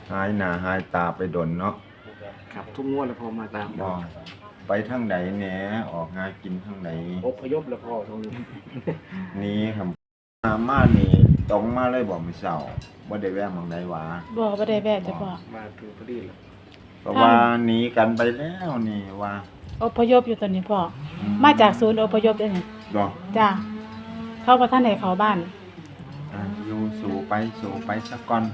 หายหน้าหายตาไปดนเนาะครับทุกงวดแล้วพอมาตามบ่ไปทางใดแหน่ออกหากินทางใดอพยพแล้วพอตรงนี้นี้ครับมานี่ตรงมาเลยบ่มื้อเช้าบ่ได้แวะหม่องใดหว่าบ่ได้แวะจ้ะพ่อมาถึงพอดีเลยเพราะว่าหนีกันไปแล้วนี่ว่าอพยพอยู่ตอนนี้พ่อมาจากศูนย์อพยพเด้อนี่บ่จ้าเข้าบ่ทันได้เข้าบ้านอยู่สู่ไปสักก่อน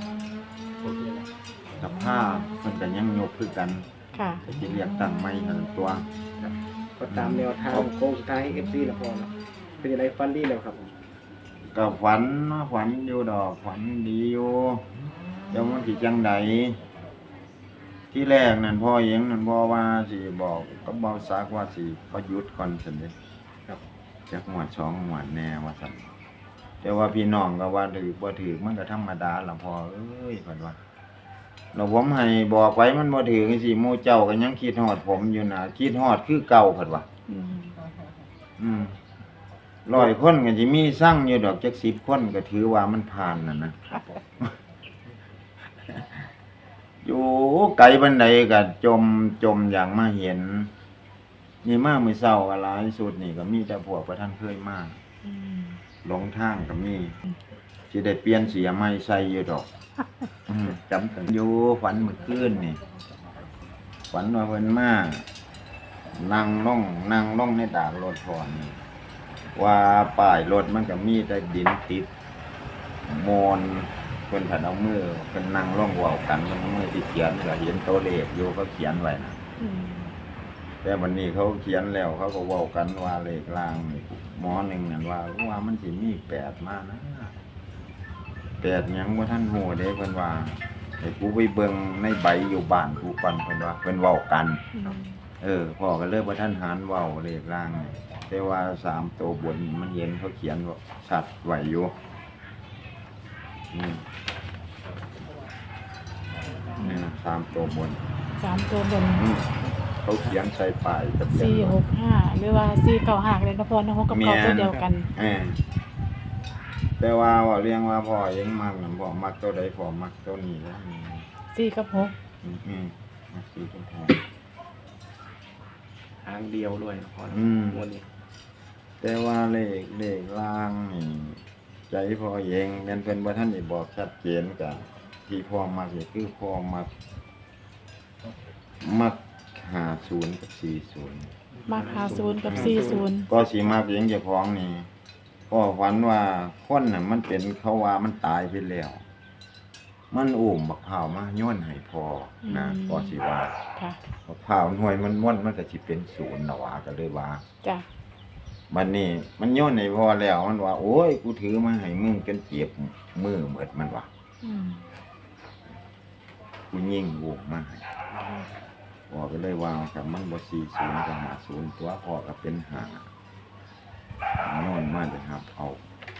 สภาพเพิ่นก็ยังยกคือกันค่ะก็สิเรียกตั้งใหม่หั่นตัวก็ตามแนวทางโค้งสุดท้ายให้FC แล้วพอเนาะเป็นยังไงฟันดีแล้วครับก็ฝันเนาะฝันอยู่ดอกฝันดีอยู่เดี๋ยวมันสิจังใดที่แรกนั่นพ่อเองนั่นพ่อว่าสิบอกก็บอกซักว่าสิประยุทธ์ก่อนซั่นเด้ครับจักหมวด2หมวดแน่ว่าซั่นแต่ว่าพี่น้องก็ว่าถือบ่ถือมันก็ธรรมดาล่ะพ่อเอ้ยเพิ่นว่าแล้วผมให้บอกไว้มันบ่ถือจังซี่หมู่เจ้าก็ยังคิดฮอดผมอยู่นะคิดฮอดคือเก่าเพิ่นว่า อืม100คนก็สิมีสั่งอยู่ดอกจัก10คนก็ถือว่ามันผ่านน่ะนะ อยู่ไกลบันไดก็จมอย่างมาเห็นนี่มามื้อเช้าก็หลายสุดนี่ก็มีแต่พวกประท่านเคยมาหลงทางก็มีสิได้เปลี่ยนเสียใหม่ใส่อยู่ดอกจำกันอยู่ฝันเมื่อคืนนี่ฝันว่าเพิ่นมานั่งลงในดากรถพอนี่ว่าป้ายรถมันก็มีแต่ดินติดโมนเพิ่นถัดเอามือเพิ่นนั่งลงเว้ากันเพิ่นเอามือที่เขียนก็เห็นตัวเลขอยู่เขาเขียนไว้นะแต่วันนี้เขาเขียนแล้วเขาก็เว้ากันว่าเลขล่างนี่หมอหนึ่งนั่นว่ามันสิมี8มานะ8หยังบ่ทันฮู้เด้เพิ่นว่าให้กูไปเบิ่งในใบอยู่บ้านกูก่อนเพิ่นว่าเพิ่นเว้ากันพ่อก็เลยบ่ทันหารเว้าเลขล่างนี่แต่ว่า3ตัวบนมันเห็นเขาเขียนว่าชัดไว้อยู่นี่นะ3ตัวบน 3ตัวบนเขาเขียนใส่ป้ายทะเบียน 465หรือว่า495เลยนะพ่อนะ6กับ9ตัวเดียวกันแต่ว่าเรียงว่าพ่อยังมักนั่นพ่อมักตัวใดพ่อมักตัวนี้แล้ว 4กับ6 มัก4กับ6 ทางเดียวด้วยพอนะงวดนี้แต่ว่าเลขล่างนี่ใจพ่อเองแม่นเพิ่นบ่ทันได้บอกชัดเจนก็ที่พ่อมักนี่คือพ่อมัก50กับ40 มัก50กับ40 ก็สิมักเองเจ้าของนี่พ่อฝันว่าคนน่ะมันเป็นเขาว่ามันตายไปแล้วมันอุ้มบักพร้าวมาโยนให้พ่อนะก็สิว่าค่ะบักพร้าวหน่วยมันม่วนมันก็สิเป็น0น่ะว่าก็เลยว่าจ้ะบัดนี้มันโยนให้พ่อแล้วมันว่าโอ้ยกูถือมาให้มึงจนเจ็บมือหมดมันว่ากูยิงลูกมาให้พ่อก็เลยว่าครับมันบ่40ก็50ตัวพ่อก็เป็น5นอนมาเลยครับเอา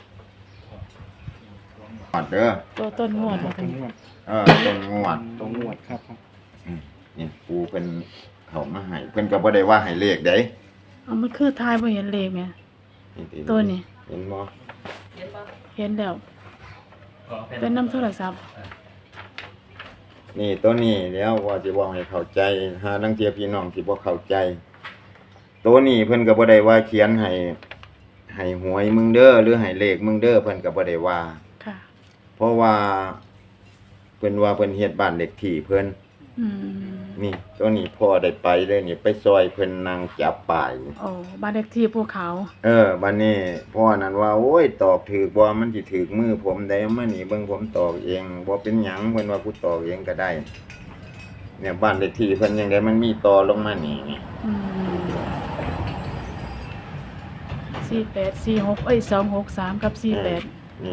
ปัดเด้อตัวต้นงวดบ่ถึงต้นงวดครับนี่ปูเป็นเขามาให้เพิ่นก็บ่ได้ว่าให้เลขเด้มันคือทายบ่เห็นเลขแม่ตัวนี้เห็นบ่เห็นแล้วเป็นน้ำโทรศัพท์นี่ตัวนี้แล้วว่าสิเว้าให้เข้าใจหาลางเที่ยพี่น้องสิบ่เข้าใจตัวนี้เพิ่นก็บ่ได้ว่าเขียนให้หวยมึงเด้อหรือให้เลขมึงเด้อเพิ่นก็บ่ได้ว่าค่ะเพราะว่าเพิ่นว่าเพิ่นเฮ็ดบ้านเลขที่เพิ่นนี่ตัวนี้พ่อได้ไปเลยนี่ไปซอยเพิ่นนั่งจับป้ายโอ้บ้านเลขที่ภูเขาบัดนี้พ่อนั่นว่าโอ้ยตอกถูกบ่มันสิถูกมือผมได้มานี่เบิ่งผมตอกเองบ่เป็นหยังเพิ่นว่ากูตอกเองก็ได้เนี่ยบ้านเลขที่เพิ่นจังได๋มันมีต่อลงมานี่ 48 46 263กับ48 นี่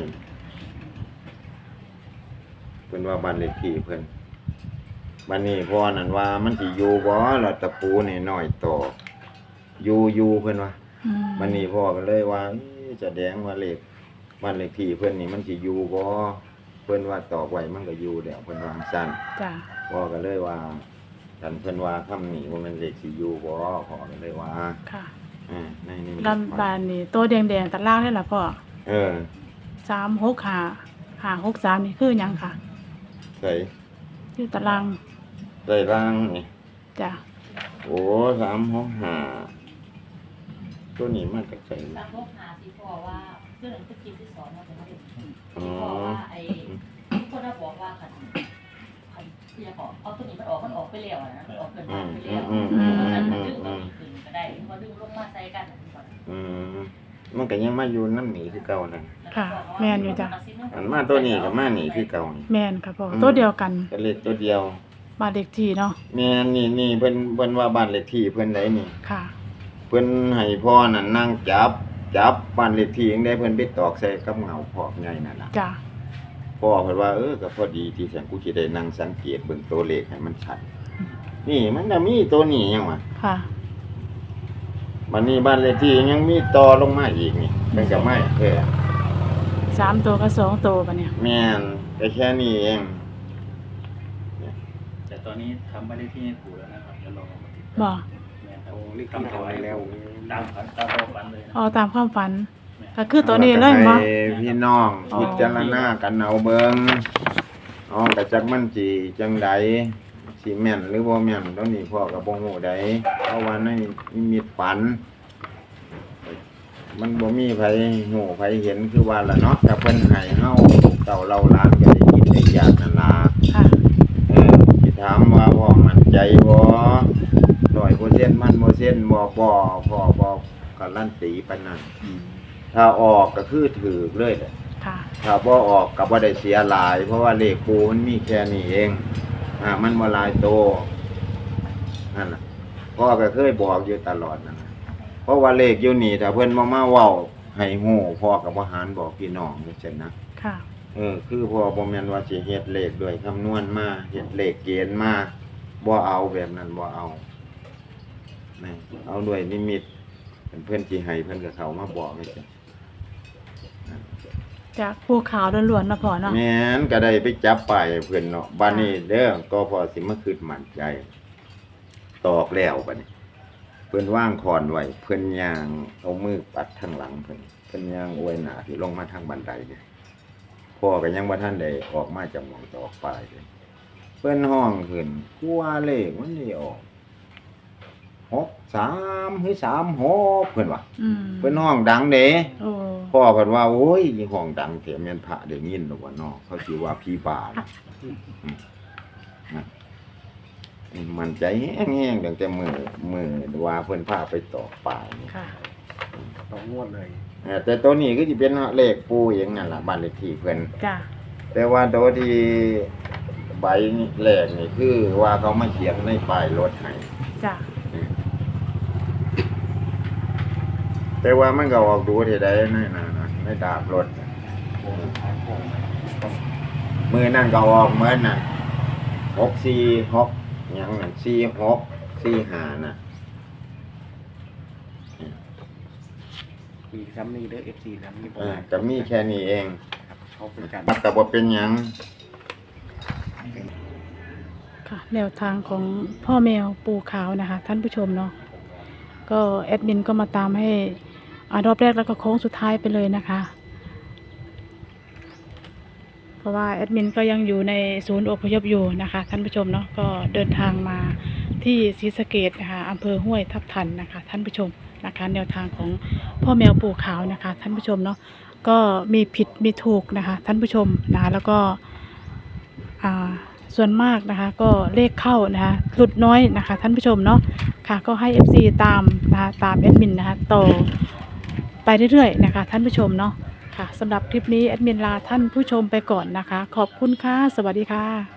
เพิ่นว่าบ้านเลขที่เพิ่นบัดนี้พ่อนั่นว่ามันสิอยู่บ่ล่ะตะปูนี่น้อยตอกอยู่เพิ่นว่าบัดนี้พ่อก็เลยว่าแสดงว่าเลขบ้านเลขที่เพิ่นนี่มันสิอยู่บ่เพิ่นว่าตอกไว้มันก็อยู่แล้วเพิ่นว่าซั่นจ้ะพ่อก็เลยว่าท่านเพิ่นว่าคำนี้ว่ามันเลขสิอยู่บ่พ่อก็เลยว่าค่ะในนี้ลำบานนี่ตัวแดงๆตารางได้ล่ะพ่อ365 563นี่คือหยังค่ะใส่อยู่ตารางใต้ล่างนี่จ้ะโอ้365ตัวนี้มาจากไสตามพวกหาที่พอว่าเรื่องที่กินที่สอนเราเป็นที่พอว่าไอ้ทุกคนน่ะบอกว่าคันที่จะบอกเอาตัวนี้มันออกไปแล้วนะออกเกินไปแล้วฉันดึงตัวนี้ขึ้นก็ได้พอดึงลงมาใส่กันอืมมันก็ยังมาอยู่น้ำหนีคือเก่านั่นค่ะแม่นอยู่จ้ะอันมาตัวนี้ก็มาหนีคือเก่านี่แม่นค่ะพ่อตัวเดียวกันก็เลขตัวเดียวบ้านเลขที่เนาะแม่นนี่เพิ่นว่าบ้านเลขที่เพิ่นได้นี่ค่ะเพิ่นให้พ่อนั่นนั่งจับบ้านเลขที่จังได๋เพิ่นไปตอกใส่กับเงาพอกใหญ่นั่นล่ะจ้ะพ่อเพิ่นว่าก็พอดีที่ฉันกูสิได้นั่งสังเกตเบิ่งตัวเลขให้มันชัดนี่มันจะมีตัวนี้ยังวะค่ะบัดนี้บ้านเลขที่ยังมีต่อลงมาอีกนี่เพิ่นก็ไม่ 3ตัวกับ2ตัวบัดเนี่ยแม่นก็แค่นี้เองแต่ตอนนี้ทำไม่ได้ที่ให้ปู่แล้วนะครับจะลองมาติดบ่แม่ครัโอ้บเลขที่ทำไปแล้วตามความฝันเลยนะเอาตามความฝัน ก็คือตัวนี้เลยบ่ให้พี่น้องพิจารณากันเอาเบิ่งอ๋อก็จักมันสิจังใดสิแม่นหรือบ่แม่นตรงนี้พ่อก็บ่ฮู้ใดเพราะว่าในนิมิตฝัน มันบ่มีไผฮู้ไผเห็นคือว่าล่ะเนาะถ้าเพิ่นให้เฮาเต่าเราหลานก็ได้กินได้อยากนั่นล่ะค่ะสิถามว่าพ่อมั่นใจบ่100%มันบ่เซ็นบ่พ่อบ่การันตีปานนั้นถ้าออกก็คือถูกเลยแหละค่ะถ้าบ่ออกก็บ่ได้เสียหลาย เพราะว่าเลขปูมันมีแค่นี้เองมันบ่หลายโตนั่นน่ะพ่อก็เคยบอกอยู่ตลอดนั่นน่ะเพราะว่าเลขอยู่นี่ถ้าเพิ่นบ่มาเว้าให้ฮู้พ่อก็บ่หารบอกพี่น้องจังซี่นะค่ะคือพ่อบ่แม่นว่าสิเฮ็ดเลขด้วยคำนวณมาเฮ็ดเลขเกณฑ์มาบ่เอาแบบนั้นบ่เอานี่เอาด้วยนิมิตเพิ่นสิให้เพิ่นก็เข้ามาบอกจังซี่จากภูเขาล้วนๆนะพ่อเนาะแม่นก็ได้ไปจับป้ายให้เพิ่นเนาะบัดนี้เด้อก็พอสิมาคิดมั่นใจ ตอกแล้วบัดนี้ เพิ่นวางคอนไว้เพิ่นย่างเอามือปัดทางหลังเพิ่นย่างอวยหน้าที่ลงมาทางบันไดเนี่ยพ่อก็ยังบ่ทันได้ออกมาจากหม้องตอกป้ายเลยเพิ่นห้องขึ้นกลัวเลขมันสิออก63หรือ36เพิ่นว่าอืมเพิ่นห้องดังเด้โอ้พ่อเพิ่นว่าโอ้ยอีห้องดังแท้แม่นพระได้ยินดอกว่าเนาะเขาสิว่าผีบ้านะมันใจแห้งๆตั้งแต่มื้อว่าเพิ่นพาไปตอกป่านี่ค่ะต่องวดเลยแต่ตัวนี้ก็สิเป็นเลขปู่เองนั่นล่ะบ้านเลขที่เพิ่นจ้ะแต่ว่าตัวที่ใบแรกนี่คือว่าเขามาเขียนในป้ายรถให้จ้ะแต่ว่ามันก็ออกดูที่ใดนั่นน่ะในดาบรถน่ะมือนั่นก็ออกเหมือนน่ะ646หยังนั่น4645น่ะมีซ้ำนี่เด้อ FC ซ้ำนี่บ่ได้ก็มีแค่นี้เองเขาเป็นการมันก็บ่เป็นหยังค่ะแนวทางของพ่อแมวปูขาวนะคะ ท่านผู้ชมเนาะก็แอดมินก็มาตามให้รอบแรกแล้วก็โค้งสุดท้ายไปเลยนะคะ เพราะว่าแอดมินก็ยังอยู่ในศูนย์อพยพอยู่นะคะ ท่านผู้ชมเนาะก็เดินทางมาที่ศรีสะเกษนะคะอำเภอห้วยทับทันนะคะ ท่านผู้ชมนะคะแนวทางของพ่อแมวปูขาวนะคะ ท่านผู้ชมเนาะก็มีผิดมีถูกนะคะ ท่านผู้ชมนะคะแล้วก็ส่วนมากนะคะก็เลขเข้านะคะหลุดน้อยนะคะ ท่านผู้ชมเนาะค่ะก็ให้ FC ตามนะคะตามแอดมินนะคะต่อไปเรื่อยๆนะคะท่านผู้ชมเนาะค่ะสำหรับคลิปนี้แอดมินลาท่านผู้ชมไปก่อนนะคะขอบคุณค่ะสวัสดีค่ะ